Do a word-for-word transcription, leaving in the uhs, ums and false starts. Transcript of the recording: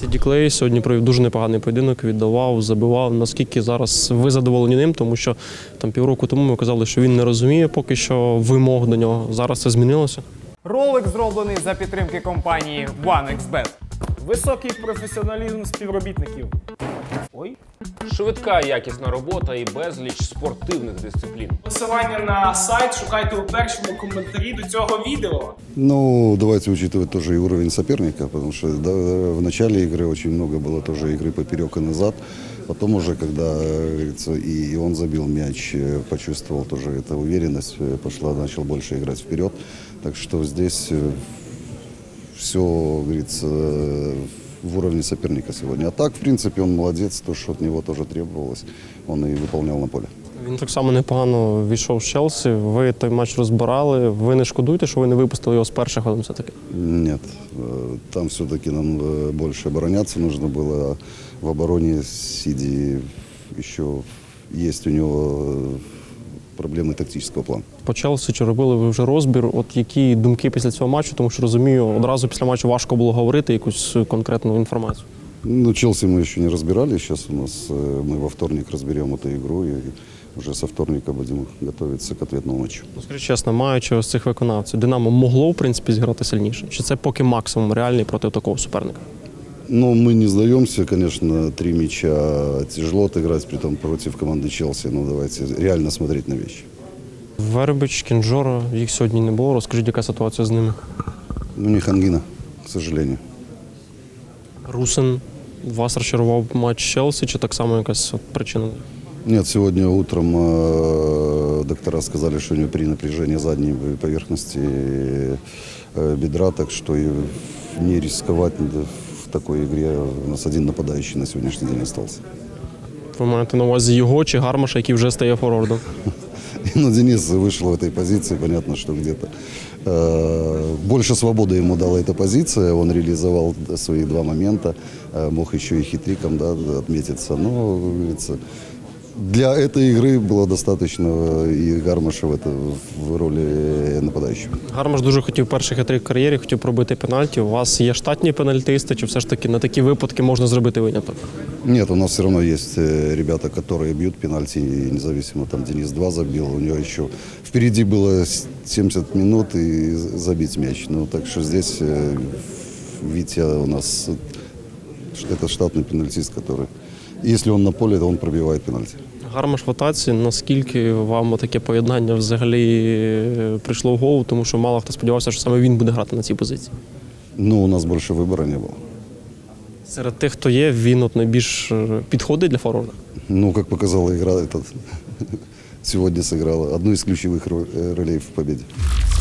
Теді Клей сьогодні провів дуже непоганий поєдинок, віддавав, забивав. Наскільки зараз ви задоволені ним, тому що там півроку тому ми казали, що він не розуміє поки що вимог до нього. Зараз це змінилося? Ролик зроблений за підтримки компанії OneXBet. Високий професіоналізм співробітників. Ой. Швидка якісна робота і безліч спортивних дисциплін. Посилання на сайт шукайте у першому коментарі до цього відео. Ну, давайте учитывать тоже и уровень соперника, потому что да, в начале игры очень много было тоже игры поперек и назад. Потом уже, когда, говорится, и, и он забил мяч, почувствовал тоже эту уверенность, пошла, начал больше играть вперед. Так что здесь все, говорится, в уровне соперника сегодня. А так, в принципе, он молодец, то, что от него тоже требовалось, он и выполнял на поле. Він так само непогано війшов з Челсі, ви той матч розбирали. Ви не шкодуєте, що ви не випустили його з перших ходом все-таки? Нет, там все-таки нам больше обороняться нужно было. В обороне Сиди еще есть у него проблеми тактичного плану. По Челсі чи робили ви вже розбір? От які думки після цього матчу? Тому що, розумію, одразу після матчу важко було говорити якусь конкретну інформацію. Ну, Челси мы еще не разбирали. Сейчас у нас мы во вторник разберем эту игру и уже со вторника будем готовиться к ответному матчу. Ну, скажіть чесно, маючи ось цих виконавців, Динамо могло, в принципі, зіграти сильніше? Чи це поки максимум реальний проти такого суперника? Ну, мы не сдаемся, конечно, три мяча тяжело отыграть, при том против команды Челси. Но давайте реально смотреть на вещи. Вербич, Кінжора, їх сьогодні не було. Розкажіть, яка ситуація з ними? У них ангина, к сожалению. Русин, вас розчарував матч Челсі, чи так само якась от причина? Нет, сегодня утром э, доктора сказали, что у него перенапряжение задней поверхности э, бедра, так что и не рисковать в такой игре. У нас один нападающий на сегодняшний день остался. Ви маєте на увазі його чи Гармаша, який вже стає форвардом? Ну, Денис вышел в этой позиции, понятно, что где-то э, больше свободы ему дала эта позиция, он реализовал свои два момента, э, мог еще и хитриком, да, отметиться, но, как говорится, для этой игры было достаточно и Гармаша в, это, в роли нападающего. Гармаш дуже хотів перший хет-трик в кар'єрі, хотів пробити пенальті. У вас є штатні пенальтисти, чи все ж таки на такі випадки можна зробити виняток? Нет, у нас все равно есть ребята, которые бьют пенальти, независимо, там Денис два забил, у него еще впереди было семьдесят минут и забить мяч. Ну, так что здесь Витя у нас, это штатный пенальтист, который, если он на поле, то он пробивает пенальти. Гармаш в атаці, наскільки вам таке поєднання взагалі прийшло в голову, тому що мало хто сподівався, що саме він буде грати на цій позиції? Ну, у нас більше вибору не було. Серед тих, хто є, він от найбільш підходить для форварда? Ну, как показала игра, этот, сегодня сыграла одну из ключевых ролей в победе.